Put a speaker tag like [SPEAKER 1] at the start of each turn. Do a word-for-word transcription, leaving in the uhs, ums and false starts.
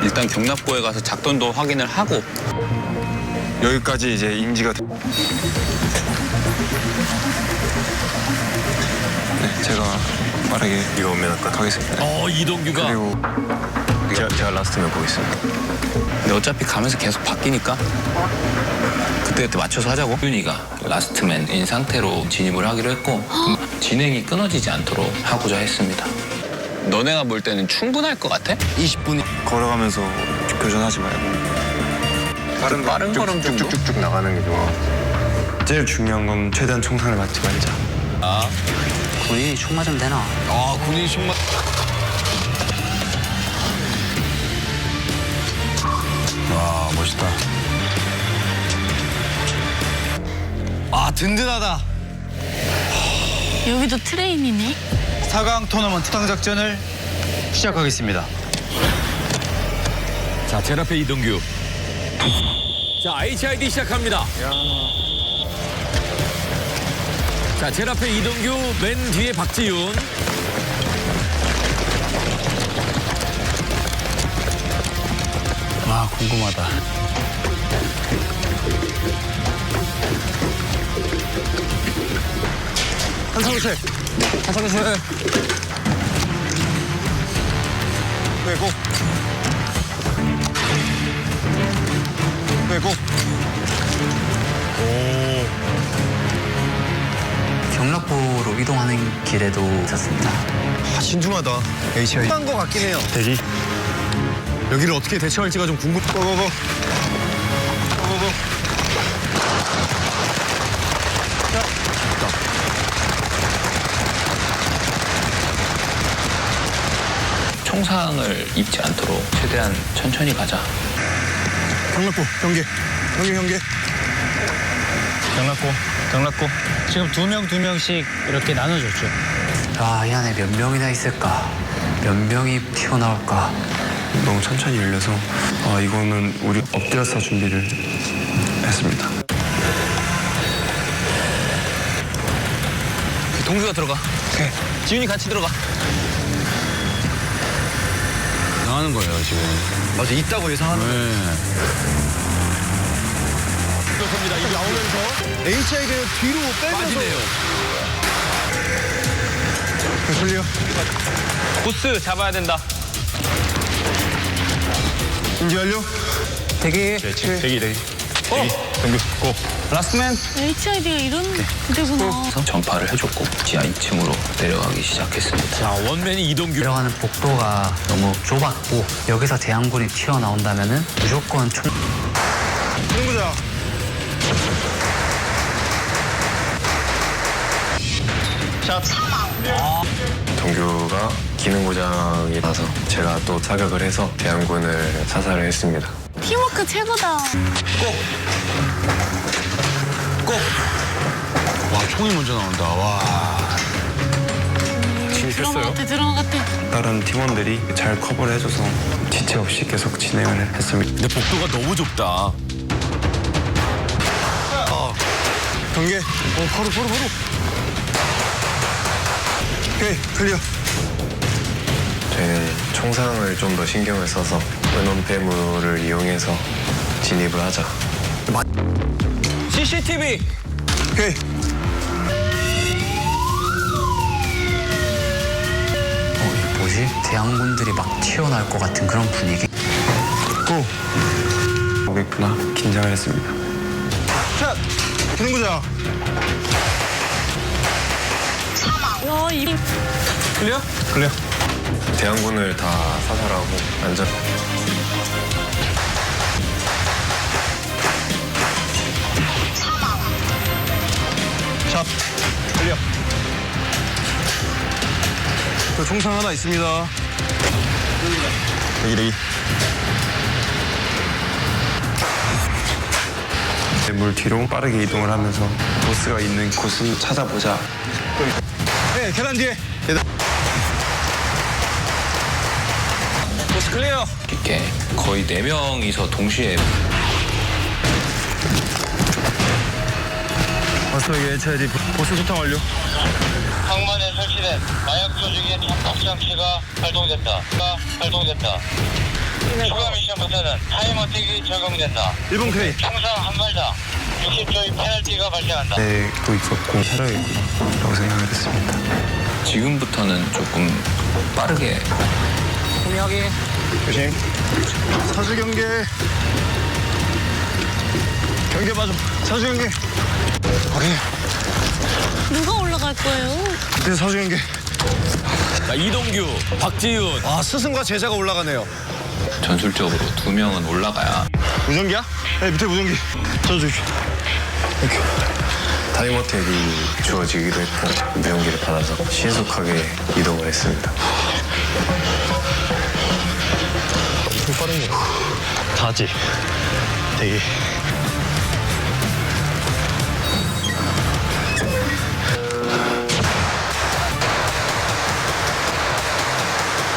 [SPEAKER 1] 일단 경납고에 가서 작전도 확인을 하고
[SPEAKER 2] 여기까지 이제 인지가 돼. 네, 제가 빠르게 이거 오면 아까 가겠습니다.
[SPEAKER 3] 어, 이동규가.
[SPEAKER 2] 그리고 제가, 제가 라스트면 보겠습니다.
[SPEAKER 1] 근데 어차피 가면서 계속 바뀌니까 그때그때 맞춰서 하자고.
[SPEAKER 4] 윤희가 라스트맨인 상태로 진입을 하기로 했고 진행이 끊어지지 않도록 하고자 했습니다.
[SPEAKER 1] 너네가 볼 때는 충분할 것 같아?
[SPEAKER 2] 이십 분 걸어가면서 교전하지 말고 빠른,
[SPEAKER 1] 빠른 걸음 정도?
[SPEAKER 2] 쭉쭉쭉 나가는 게 좋아. 제일 중요한 건 최대한 총상을 맞지 말자.
[SPEAKER 1] 아,
[SPEAKER 5] 군인이 총 맞으면 되나?
[SPEAKER 3] 아, 군인 신발.
[SPEAKER 2] 와, 멋있다.
[SPEAKER 3] 아, 든든하다.
[SPEAKER 6] 여기도 트레인이네.
[SPEAKER 7] 사 강 토너먼트 수상작전을 시작하겠습니다.
[SPEAKER 3] 자, 제일 앞에 이동규. 자, 에이치아이디 시작합니다. 자, 제일 앞에 이동규, 맨 뒤에 박지윤.
[SPEAKER 5] 와, 궁금하다.
[SPEAKER 7] 한상철. 한상철. 빼고. 빼고.
[SPEAKER 5] 경락고로 이동하는 길에도 있었습니다.
[SPEAKER 7] 아, 신중하다. 에이치아이. 한거 같긴 해요.
[SPEAKER 2] 대기.
[SPEAKER 7] 여기를 어떻게 대처할지가 좀 궁금. 고고고. 고고고.
[SPEAKER 4] 총상을 입지 않도록 최대한 천천히 가자.
[SPEAKER 7] 경락고 경계. 경계 경계.
[SPEAKER 8] 경락고, 경락고. 지금 두 명, 두 명씩 이렇게 나눠줬죠.
[SPEAKER 5] 아, 이 안에 몇 명이나 있을까? 몇 명이 튀어나올까?
[SPEAKER 2] 너무 천천히 열려서 아, 이거는 우리 엎드려서 준비를 했습니다.
[SPEAKER 1] 동규가 들어가. 오케이. 지윤이 같이 들어가.
[SPEAKER 3] 나가는 거예요, 지금.
[SPEAKER 7] 맞아, 있다고 예상하는 거.
[SPEAKER 3] 네.
[SPEAKER 7] 그렇습니다. 이거 나오면서 에이치아이를 뒤로 빼면서.
[SPEAKER 3] 빠지네요.
[SPEAKER 7] 클리어.
[SPEAKER 1] 보스 잡아야 된다.
[SPEAKER 7] 인지 완료.
[SPEAKER 5] 대기.
[SPEAKER 2] 대기, 대기.
[SPEAKER 7] 경계 고.
[SPEAKER 1] 라스트맨.
[SPEAKER 6] 에이치아이디가 이런 부대구나.
[SPEAKER 4] 그래서 전파를 해줬고 지하 이 층으로 내려가기 시작했습니다.
[SPEAKER 3] 자, 원맨이 이동규.
[SPEAKER 5] 들어가는 복도가 너무 좁았고 여기서 대항군이 튀어나온다면은 무조건 총...
[SPEAKER 7] 승부자. 샷.
[SPEAKER 2] 동규가 기능 고장이 나서 제가 또 사격을 해서 대항군을 사살을 했습니다.
[SPEAKER 6] 팀워크 최고다.
[SPEAKER 3] 와, 총이 먼저 나온다. 와.
[SPEAKER 6] 드라마 같아, 드라마 같아.
[SPEAKER 2] 다른 팀원들이 잘 커버를 해줘서 지체 없이 계속 진행을 했습니다.
[SPEAKER 3] 근데 복도가 너무 좁다.
[SPEAKER 7] 경계. 어, 바로 바로 바로. 오케이, 클리어.
[SPEAKER 2] 저희는 총상을 좀 더 신경을 써서 은원 폐물을 이용해서 진입을 하자.
[SPEAKER 1] 씨씨티비.
[SPEAKER 7] 오케이.
[SPEAKER 5] 어, 이게 뭐지? 대항군들이 막 튀어나올 것 같은 그런 분위기.
[SPEAKER 7] 고.
[SPEAKER 2] 오겠구나. 긴장을 했습니다.
[SPEAKER 7] 샷. 승부자.
[SPEAKER 6] 와, 이
[SPEAKER 1] 클리어?
[SPEAKER 7] 클리어.
[SPEAKER 2] 대항군을 다 사살하고 안전.
[SPEAKER 7] 샷. 클리어. 저 총상 하나 있습니다. 대기 대기.
[SPEAKER 2] 물 뒤로 빠르게 이동을 하면서 보스가 있는 곳을 찾아보자.
[SPEAKER 7] 네, 계단 뒤에.
[SPEAKER 1] 보스 클리어.
[SPEAKER 4] 이렇게 거의 네 명이서 동시에
[SPEAKER 7] 마스터에게 에이치아이디 보스 소탕 완료.
[SPEAKER 9] 항만에 설치된 마약 조직의 착각 장치가 발동됐다. 가 발동됐다. 추가 미션부터는 타임어택이 적용된다.
[SPEAKER 7] 일 번 K.
[SPEAKER 9] 총상 한 발당 육십 초의 페널티가 발생한다.
[SPEAKER 2] 네, 또 있었고 살아있구나라고 생각을 했습니다.
[SPEAKER 4] 지금부터는 조금 빠르게
[SPEAKER 7] 조심. 사주 경계. 경계 맞아. 사주 경계. 오케이.
[SPEAKER 6] 누가 올라갈 거예요?
[SPEAKER 7] 네, 사주 경계.
[SPEAKER 3] 자, 이동규, 박지윤.
[SPEAKER 7] 아, 스승과 제자가 올라가네요.
[SPEAKER 4] 전술적으로 두 명은 올라가야
[SPEAKER 7] 무전기야? 네, 밑에 무전기. 저 주십시오. 땡큐.
[SPEAKER 2] 타임어택이 주어지기도 했고 무용기를 받아서 신속하게 이동을 했습니다.
[SPEAKER 7] 엄청 빠른 거. 다지. 대기.